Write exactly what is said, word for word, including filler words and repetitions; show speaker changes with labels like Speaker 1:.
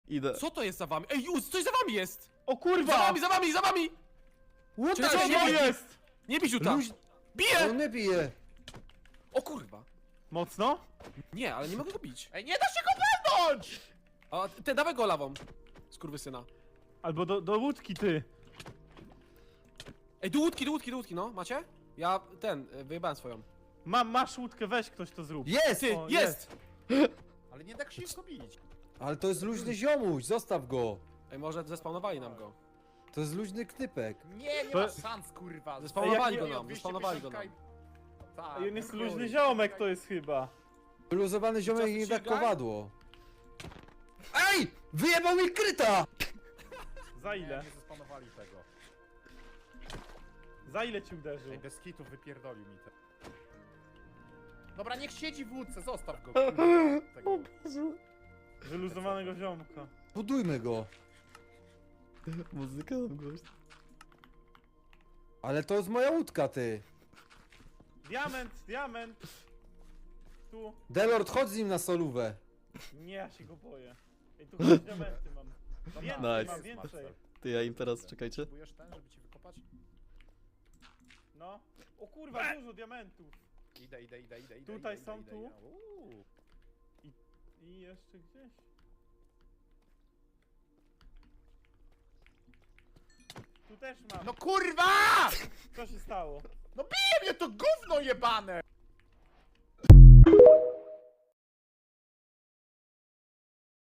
Speaker 1: Idę.
Speaker 2: Co to jest za wami? Ej, Jus, coś za wami jest!
Speaker 3: O kurwa!
Speaker 2: Za wami, za wami, za wami!
Speaker 3: What
Speaker 2: Czekaj,
Speaker 3: co
Speaker 2: czekaj,
Speaker 3: to
Speaker 2: nie bij.
Speaker 3: jest?
Speaker 2: Nie bij Ziuta!
Speaker 4: Luź...
Speaker 2: Bije!
Speaker 4: On mnie bije.
Speaker 2: O kurwa!
Speaker 3: Mocno?
Speaker 2: Nie, ale nie mogę go bić.
Speaker 5: Ej, nie da się go pędnąć!
Speaker 2: A, ty, dawaj go lawą. Skurwysyna.
Speaker 3: Albo do, do łódki, ty.
Speaker 2: Ej, do łódki, do łódki, do łódki, no, macie? Ja, ten, y, wyjebałem swoją.
Speaker 3: Ma, masz łódkę, weź ktoś to zrób.
Speaker 4: Jest!
Speaker 2: Ty,
Speaker 3: O,
Speaker 2: jest!
Speaker 5: Ale nie tak szybko bić.
Speaker 4: Ale to jest luźny ziomuś, zostaw go.
Speaker 2: Ej, może zespawnowali nam go.
Speaker 4: To jest luźny knypek.
Speaker 5: Nie, nie
Speaker 3: To-
Speaker 5: ma szans, kurwa.
Speaker 2: Zespawnowali
Speaker 3: Ej,
Speaker 2: go
Speaker 3: jak
Speaker 2: nam,
Speaker 5: dwieście
Speaker 2: zespawnowali go nam.
Speaker 5: pięćdziesiąt Tak,
Speaker 3: Ej, on jest
Speaker 5: no
Speaker 3: luźny
Speaker 5: chuj.
Speaker 3: ziomek, to jest chyba.
Speaker 4: Wyluzowany ziomek
Speaker 5: Czas
Speaker 4: i nie tak
Speaker 5: ścigaj?
Speaker 4: kowadło. Ej! Wyjebał mi kryta!
Speaker 3: Za
Speaker 5: Nie,
Speaker 3: ile?
Speaker 5: nie zespanowali tego.
Speaker 3: Za ile ci uderzył?
Speaker 5: Ej, bez kitu wypierdolił mi te. Dobra, niech siedzi w łódce, zostaw go. Kurwa, tego.
Speaker 3: Wyluzowanego ziomka.
Speaker 4: Budujmy go.
Speaker 1: Muzyka nam gość.
Speaker 4: Ale to jest moja łódka, ty.
Speaker 3: Diament, diament! Tu.
Speaker 4: Delord, chodź z nim na solówę.
Speaker 3: Nie, ja się go boję. Ej, tu chodź diamenty mam. Więcej
Speaker 1: Nice.
Speaker 3: mam, więcej.
Speaker 1: Ty, ja im teraz, czekajcie.
Speaker 5: Próbujesz ten, żeby ci wykopać?
Speaker 3: No. O kurwa, dużo diamentów.
Speaker 5: Idę, idę, idę, idę, idę.
Speaker 3: Tutaj
Speaker 5: idę,
Speaker 3: są,
Speaker 5: idę,
Speaker 3: tu?
Speaker 5: idę. Uuu.
Speaker 3: I jeszcze gdzieś. Tu też mam.
Speaker 5: No kurwa!
Speaker 3: Co się stało?
Speaker 5: No bije mnie to gówno jebane!